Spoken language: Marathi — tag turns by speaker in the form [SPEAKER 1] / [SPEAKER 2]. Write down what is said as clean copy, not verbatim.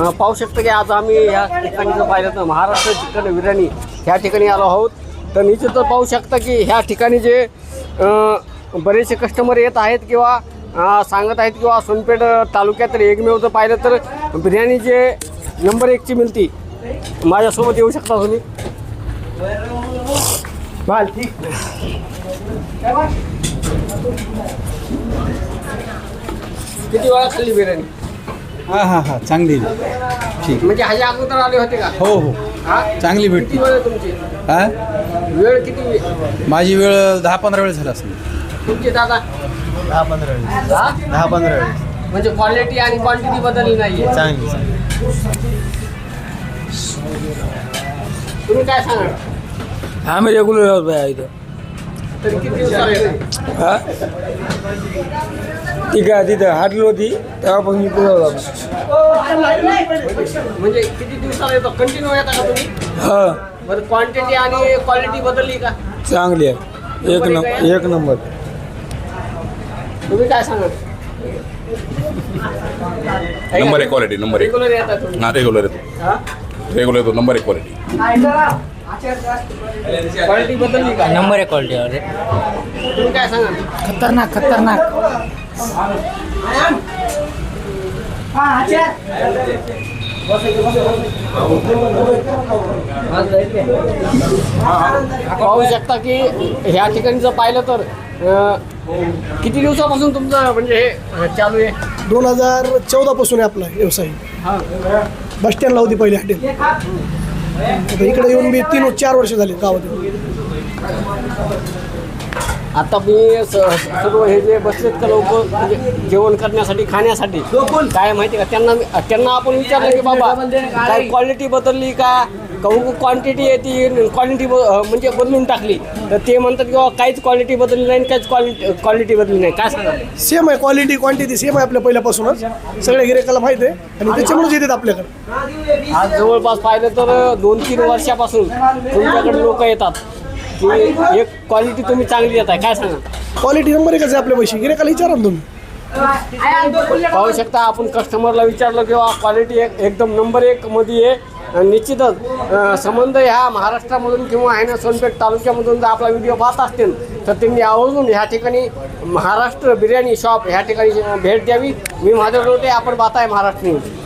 [SPEAKER 1] पाहू शकतो की आज आम्ही या ठिकाणी जर पाहिलं तर महाराष्ट्र चिकन बिर्याणी ह्या ठिकाणी आलो आहोत. तर निश्चितच पाहू शकता की ह्या ठिकाणी जे बरेचसे कस्टमर येत आहेत किंवा सांगत आहेत किंवा सोनपेठ तालुक्यात एकमेव जर पाहिलं तर बिर्याणी जे नंबर 1ची मिळती. माझ्यासोबत येऊ शकता तुम्ही. किती वेळा खाल्ली बिर्याणी?
[SPEAKER 2] हा चांगली ठीक.
[SPEAKER 1] म्हणजे ह्याच्या अगोदर आले होते का?
[SPEAKER 2] हो चांगली भेटते.
[SPEAKER 1] किती वेळ आहे तुमची? वेळ किती?
[SPEAKER 2] माझी वेळ 10-15 वेळ झाला असेल.
[SPEAKER 1] तुमची दादा?
[SPEAKER 3] 10-15 वेळ.
[SPEAKER 1] म्हणजे क्वालिटी आणि क्वांटिटी बदलली नाहीये.
[SPEAKER 3] चांगली.
[SPEAKER 1] तुम्ही काय सांगा?
[SPEAKER 4] आम्ही रेग्युलर आहोत बाय इथं.
[SPEAKER 1] तरी किती दिवसाला येते?
[SPEAKER 4] हा ठीक आहे. तिथं हाटली होती तेव्हापासून मी पुढे होता.
[SPEAKER 1] म्हणजे किती दिवसाला येतो? कंटिन्यू येता का तुम्ही?
[SPEAKER 4] हा
[SPEAKER 1] बरं क्वांटिटी आणि क्वालिटी बदलली का?
[SPEAKER 4] चांगली आहे. एक नंबर.
[SPEAKER 1] तुम्ही काय सांगा?
[SPEAKER 5] Number 1 quality. नंबर 1
[SPEAKER 1] रेग्युलर येतात तुम्ही?
[SPEAKER 5] ना रेग्युलर येतो.
[SPEAKER 1] हा?
[SPEAKER 5] रेग्युलर येतो. Number 1 quality.
[SPEAKER 1] क्वालिटी बदलली का?
[SPEAKER 4] नंबर 1 क्वालिटी आहे.
[SPEAKER 1] तुम्ही काय सांगा?
[SPEAKER 4] खतरनाक.
[SPEAKER 1] पाहू शकता की ह्या ठिकाणी जर पाहिलं तर किती दिवसापासून तुमचं म्हणजे हे चालू आहे?
[SPEAKER 6] 2014 पासून आहे आपला व्यवसाय. बस स्टँडला होती पहिली हॉटेल. आता इकडे येऊन मी 3-4 वर्ष झाली गावात.
[SPEAKER 1] आता मी सर्व हे जे बसलेत का लोक म्हणजे जेवण करण्यासाठी खाण्यासाठी काय माहिती का त्यांना आपण विचारलं की बाबा काय क्वालिटी बदलली का क्वांटिटी येते क्वालिटी म्हणजे बदलून टाकली. तर ते म्हणतात की काहीच क्वालिटी बदलली नाही काहीच क्वालिटी बदलली नाही. काय सांगा?
[SPEAKER 6] सेम आहे. क्वालिटी क्वांटिटी सेम आहे आपल्या पहिल्यापासूनच. सगळ्या गिरायकाला माहिती आहे आणि त्याच्यामुळेच येतात आपल्याकडे.
[SPEAKER 1] आज जवळपास पाहिलं तर 2-3 वर्षापासून तुमच्याकडे लोक येतात की एक क्वालिटी तुम्ही चांगली देत आहे. काय सांगा?
[SPEAKER 6] क्वालिटी नंबर 1च आहे आपल्या पैसे. गिरायकाला विचारा ना तुम्ही.
[SPEAKER 1] पाहू शकता आपण कस्टमरला विचारलं किंवा क्वालिटी एकदम नंबर 1 मध्ये आहे. निश्चितच संबंध ह्या महाराष्ट्रामधून किंवा आहे ना सोनपेठ तालुक्यामधून जर आपला व्हिडिओ पाहत असतील तर त्यांनी आवर्जून ह्या ठिकाणी महाराष्ट्र बिर्याणी शॉप ह्या ठिकाणी भेट द्यावी. मी माझ्या रोटे आपण पाहताय महाराष्ट्र न्यूज.